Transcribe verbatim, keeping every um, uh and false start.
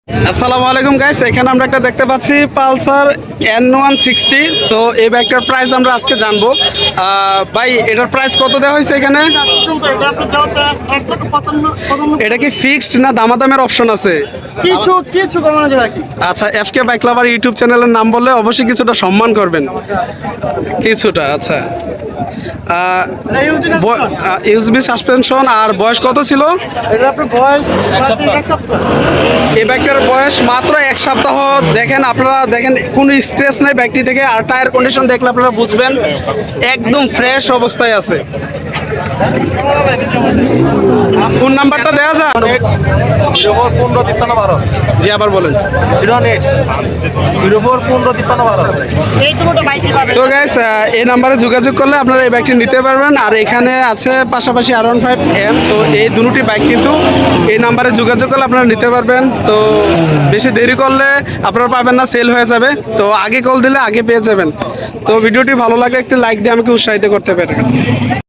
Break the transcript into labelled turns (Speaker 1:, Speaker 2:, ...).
Speaker 1: আসসালামু আলাইকুম গাইস, এখানে আমরা একটা দেখতে পাচ্ছি Pulsar N one sixty. So এই বাইকটার প্রাইস আমরা আজকে জানবো। আহ, ভাই এটার প্রাইস কত দেওয়া হয়েছে এখানে? এটা কি ফিক্সড না দামাদামের অপশন আছে?
Speaker 2: কিছু কিছু কমানো যাবে আর কি।
Speaker 1: আচ্ছা, F K bike lover YouTube চ্যানেলের নাম বললে অবশ্যই কিছুটা সম্মান করবেন। কিছুটা আচ্ছা। USB suspension. আর বয়স কত ছিল?
Speaker 2: এটা আপনার বয়স এক সপ্তাহ।
Speaker 1: এই বাইকটার বয়স মাত্র এক সপ্তাহ। দেখেন আপনারা, দেখেন কোনো স্ক্র্যাচ নেই বাইকটি থেকে। আর টায়ার কন্ডিশন দেখলে আপনারা বুঝবেন একদম ফ্রেশ অবস্থায় আছে। ফোন নাম্বারটা দেওয়া যায়?
Speaker 2: জিরো ফোর পনেরো তিপ্পান্ন বারো।
Speaker 1: জি আবার বলেন।
Speaker 2: জিরো এইট জিরো ফোর পনেরো তিপ্পান্ন বারো। এই দুটো বাইক পাবেন।
Speaker 1: তো গাইস, এই নাম্বারে যোগাযোগ করলে আপনারা এই বাইকটি নিতে পারবেন। আর এখানে আছে পাশাপাশি আর ওয়ান ফাইভ এম। তো এই দুটি বাইক কিন্তু এই নাম্বারে যোগাযোগ করলে আপনারা নিতে পারবেন। তো বেশি দেরি করলে আপনারা পাবেন না, সেল হয়ে যাবে। তো আগে কল দিলে আগে পেয়ে যাবেন। তো ভিডিওটি ভালো লাগলে একটি লাইক দিয়ে আমাকে উৎসাহিত করতে পারেন।